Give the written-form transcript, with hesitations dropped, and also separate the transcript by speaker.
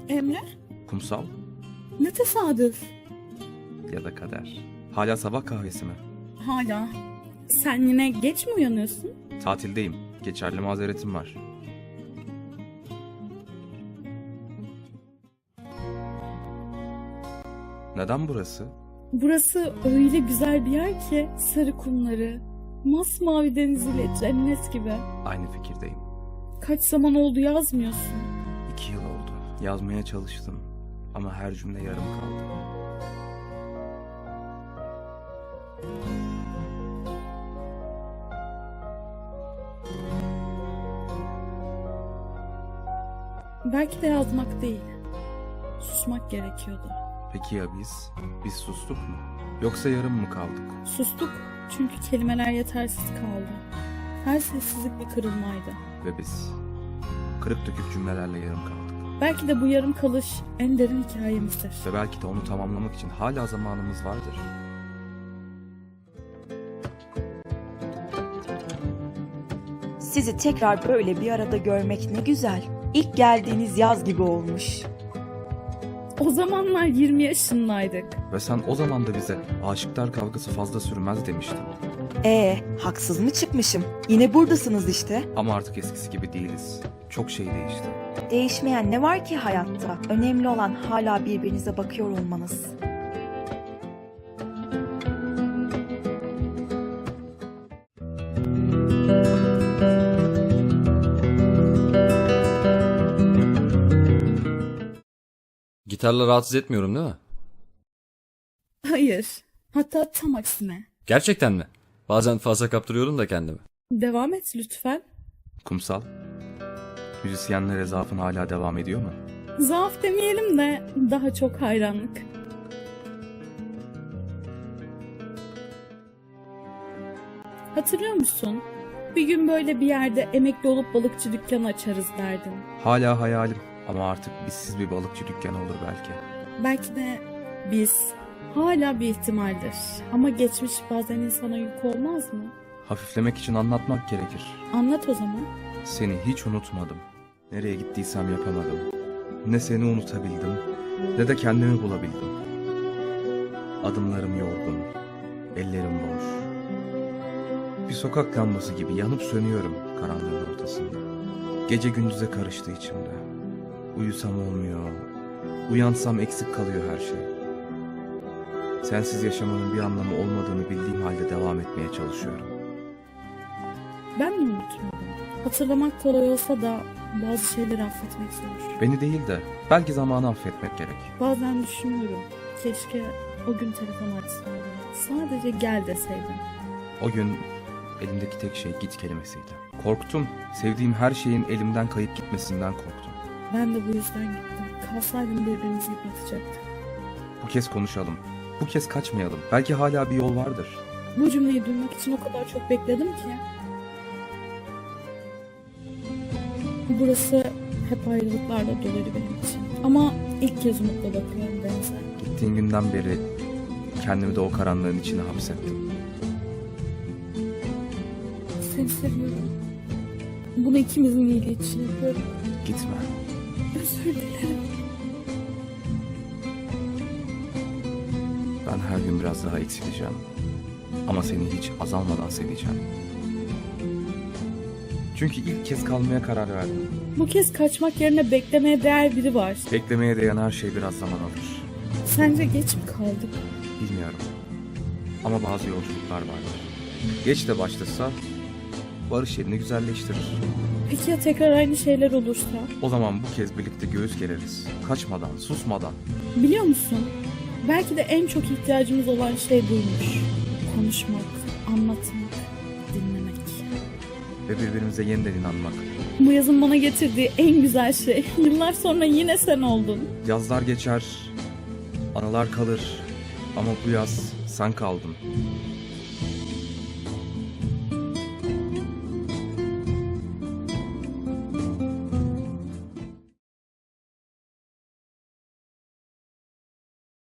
Speaker 1: Emre?
Speaker 2: Kumsal
Speaker 1: Ne tesadüf.
Speaker 2: ya da kader. Hala sabah kahvesi mi?
Speaker 1: Hala. Sen yine geç mi uyanıyorsun?
Speaker 2: Tatildeyim. Geçerli mazeretim var. Neden burası?
Speaker 1: Burası öyle güzel bir yer ki sarı kumları, masmavi deniziyle cennet gibi.
Speaker 2: Aynı fikirdeyim.
Speaker 1: Kaç zaman oldu yazmıyorsun.
Speaker 2: 2 yıl oldu. Yazmaya çalıştım. Ama her cümle yarım kaldı.
Speaker 1: Belki de yazmak değil, susmak gerekiyordu.
Speaker 2: Peki ya biz? Biz sustuk mu? Yoksa yarım mı kaldık?
Speaker 1: Sustuk çünkü kelimeler yetersiz kaldı. Her sessizlik bir kırılmaydı.
Speaker 2: Ve biz? Kırık dökük cümlelerle yarım kaldık.
Speaker 1: Belki de bu yarım kalış en derin hikayemizdir.
Speaker 2: Ve belki de onu tamamlamak için hala zamanımız vardır.
Speaker 3: Sizi tekrar böyle bir arada görmek ne güzel. İlk geldiğiniz yaz gibi olmuş.
Speaker 1: O zamanlar 20 yaşındaydık.
Speaker 2: Ve sen o zaman da bize aşıklar kavgası fazla sürmez demiştin.
Speaker 3: Haksız mı çıkmışım? Yine buradasınız işte.
Speaker 2: Ama artık eskisi gibi değiliz. Çok şey değişti.
Speaker 3: Değişmeyen ne var ki hayatta? Önemli olan hala birbirinize bakıyor olmanız.
Speaker 4: Gitarla rahatsız etmiyorum değil mi?
Speaker 1: Hayır. Hatta tam aksine.
Speaker 4: Gerçekten mi? Bazen fazla kaptırıyorum da kendimi.
Speaker 1: Devam et lütfen.
Speaker 2: Kumsal, müzisyenlere zaafın hala devam ediyor mu?
Speaker 1: Zaaf demeyelim de daha çok hayranlık. Hatırlıyor musun? Bir gün böyle bir yerde emekli olup balıkçı dükkanı açarız derdin.
Speaker 2: Hala hayalim ama artık bizsiz bir balıkçı dükkanı olur belki.
Speaker 1: Belki de biz hala bir ihtimaldir. Ama geçmiş bazen insana yük olmaz mı?
Speaker 2: Hafiflemek için anlatmak gerekir.
Speaker 1: Anlat o zaman.
Speaker 2: Seni hiç unutmadım. Nereye gittiysem yapamadım. Ne seni unutabildim, ne de kendimi bulabildim. Adımlarım yorgun, ellerim boş. Bir sokak lambası gibi yanıp sönüyorum karanlığın ortasında. Gece gündüze karıştı içimde. Uyusam olmuyor, uyansam eksik kalıyor her şey. Sensiz yaşamanın bir anlamı olmadığını bildiğim halde devam etmeye çalışıyorum.
Speaker 1: Ben mi unutmadım? Hatırlamak kolay olsa da bazı şeyleri affetmek zor.
Speaker 2: Beni değil de belki zamanı affetmek gerek.
Speaker 1: Bazen düşünüyorum. Keşke o gün telefon açsaydım. Sadece gel deseydim.
Speaker 2: O gün elimdeki tek şey git kelimesiydi. Korktum. Sevdiğim her şeyin elimden kayıp gitmesinden korktum.
Speaker 1: Ben de bu yüzden gittim. Kalsaydım birbirimizi yıpratacaktık.
Speaker 2: Bu kez konuşalım. Bu kez kaçmayalım. Belki hala bir yol vardır.
Speaker 1: Bu cümleyi duymak için o kadar çok bekledim ki. Burası hep ayrılıklarla doluydu benim için. Ama ilk kez umutla bakıyorum denize.
Speaker 2: Gittiğin günden beri kendimi de o karanlığın içine hapsettim.
Speaker 1: Seni seviyorum. Bunu ikimizin iyiliği için yapıyorum.
Speaker 2: Gitme.
Speaker 1: Özür dilerim.
Speaker 2: Ben her gün biraz daha eksileceğim. Ama seni hiç azalmadan seveceğim. Çünkü ilk kez kalmaya karar verdim.
Speaker 1: Bu kez kaçmak yerine beklemeye değer biri var.
Speaker 2: Beklemeye değen her şey biraz zaman alır.
Speaker 1: Sence geç mi kaldık?
Speaker 2: Bilmiyorum. Ama bazı yolculuklar vardır. Geç de başlasa varış yerini güzelleştirir.
Speaker 1: Peki ya tekrar aynı şeyler olursa?
Speaker 2: O zaman bu kez birlikte göğüs gereriz. Kaçmadan, susmadan.
Speaker 1: Biliyor musun? Belki de en çok ihtiyacımız olan şey buymuş. Konuşmak, anlatmak, dinlemek.
Speaker 2: Ve birbirimize yeniden inanmak.
Speaker 1: Bu yazın bana getirdiği en güzel şey. Yıllar sonra yine sen oldun.
Speaker 2: Yazlar geçer, anılar kalır. Ama bu yaz sen kaldın.